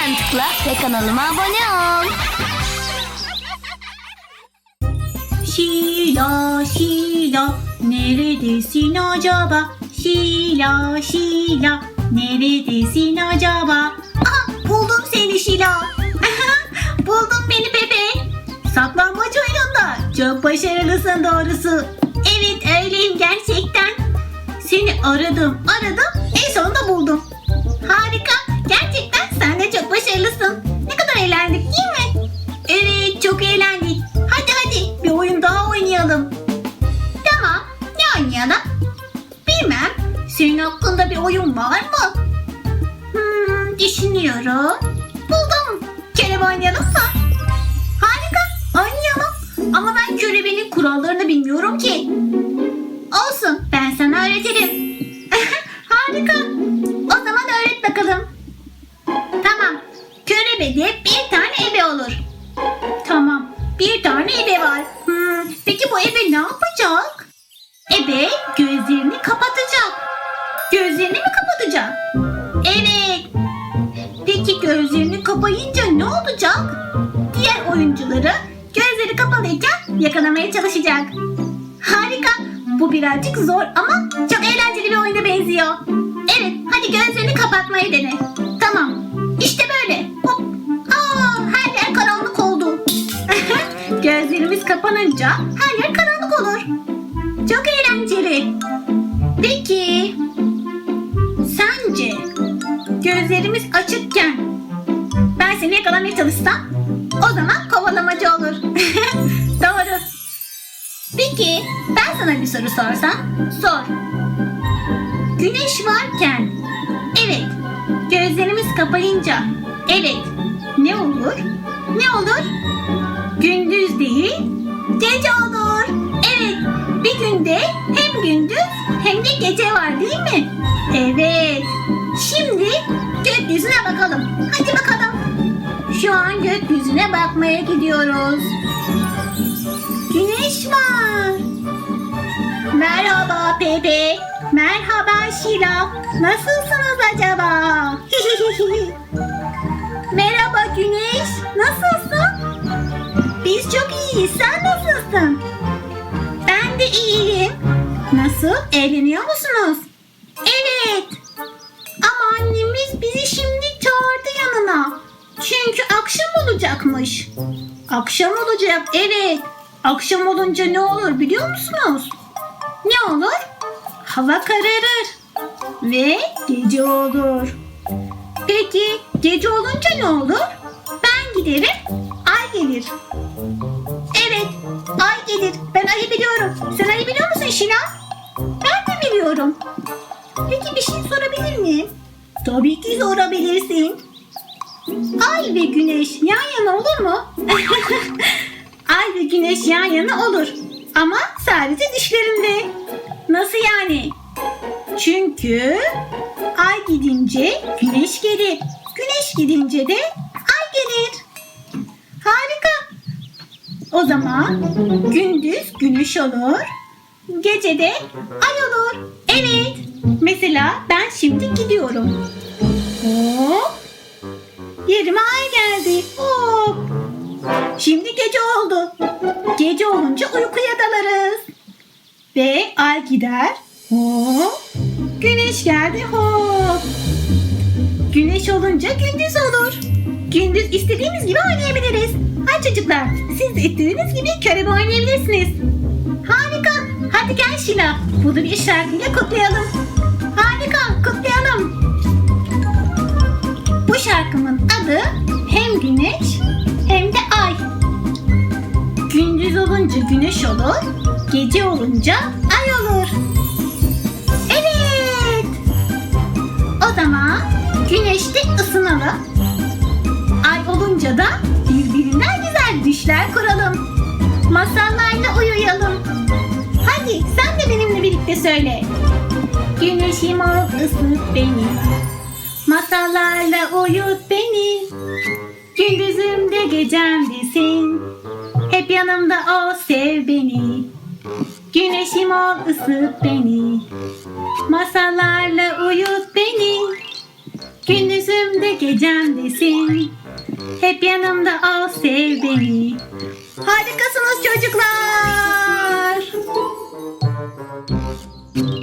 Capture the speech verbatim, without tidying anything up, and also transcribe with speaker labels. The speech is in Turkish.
Speaker 1: Hemen tıkla ve kanalıma abone ol.
Speaker 2: Şila, Şila, neredesin acaba? Şila, Şila, neredesin acaba? Aha, buldum seni Şila. Buldum beni Pepe. Saklambaç oyununda çok başarılısın doğrusu. Evet öyleyim gerçekten. Seni aradım, aradım, en sonunda buldum. Harika, gerçekten sen de çok başarılısın. Ne kadar eğlendik değil mi? Evet, çok eğlendik. Hadi hadi bir oyun daha oynayalım. Tamam, ne oynayalım? Bilmem, senin hakkında bir oyun var mı? Hmm, düşünüyorum. Buldum. Kelime oynayalım mı? Harika, oynayalım. Ama ben körebenin kurallarını bilmiyorum ki. Olsun, ben sana öğretirim. Harika. O zaman öğret bakalım. Tamam. Körebede bir tane ebe olur. Tamam. Bir tane ebe var. Hmm, peki bu ebe ne yapacak? Ebe gözlerini kapatacak. Gözlerini mi kapatacak? Evet. Peki gözlerini kapayınca ne olacak? Diğer oyuncuları gözleri kapalıyken yakalamaya çalışacak. Harika. Bu birazcık zor ama çok eğlenceli bir oyuna benziyor. Evet, hadi gözlerini kapatmayı dene. Tamam. İşte böyle. Hop. Aa, her yer karanlık oldu. Gözlerimiz kapanınca her yer karanlık olur. Çok eğlenceli. Peki, sence gözlerimiz açıkken ben seni yakalamaya çalışsam o zaman kovalamacı olur. Doğru. Peki, ben sana bir soru sorsam? Sor. Güneş varken, evet, gözlerimiz kapayınca, evet, ne olur? Ne olur? Gündüz değil, gece olur. Evet, bir günde hem gündüz hem de gece var değil mi? Evet. Şimdi gökyüzüne bakalım. Hadi bakalım. Şu an gökyüzüne bakmaya gidiyoruz. Güneş var. Merhaba Pepe. Merhaba Şila. Nasılsınız acaba? Merhaba Güneş. Nasılsın? Biz çok iyiyiz. Sen nasılsın? Ben de iyiyim. Nasıl? Eğleniyor musunuz? Evet. Ama annemiz bizi şimdi çağırdı yanına. Çünkü akşam olacakmış. Akşam olacak, evet. Akşam olunca ne olur biliyor musunuz? Ne olur? Hava kararır ve gece olur. Peki gece olunca ne olur? Ben giderim, ay gelir. Evet, ay gelir. Ben ayı biliyorum. Sen ayı biliyor musun Şila? Ben de biliyorum. Peki bir şey sorabilir miyim? Tabii ki sorabilirsin. Ay ve güneş yan yana olur mu? Ay ve güneş yan yana olur. Ama sadece düşlerinde. Nasıl yani? Çünkü ay gidince güneş gelir. Güneş gidince de ay gelir. Harika. O zaman gündüz güneş olur. Gece de ay olur. Evet. Mesela ben şimdi gidiyorum. Hop. Yerime ay geldi. Hop. Şimdi gece oldu. Gece olunca uykuya dalarız. Ve ay gider. Hop. Güneş geldi. Hop. Güneş olunca gündüz olur. Gündüz istediğimiz gibi oynayabiliriz. Hadi çocuklar, siz de istediğiniz gibi körebe oynayabilirsiniz. Harika. Hadi gel Şila. Bunu bir şarkıyla kutlayalım. Harika. Kutlayalım. Bu şarkımın adı hem güneş hem de ay. Gündüz olunca güneş olur, gece olunca ay olur. Evet. O zaman güneşte ısınalım. Ay olunca da birbirinden güzel düşler kuralım. Masallarla uyuyalım. Hadi sen de benimle birlikte söyle. Güneşim ol ısıt beni. Masallarla uyut beni. Gündüzümde gecemdesin. Hep yanımda ol, sev beni. Güneşim ol, ısıt beni. Masallarla uyut beni. Gündüzümde gecemdesin. Hep yanımda al sev beni. Harikasınız çocuklar.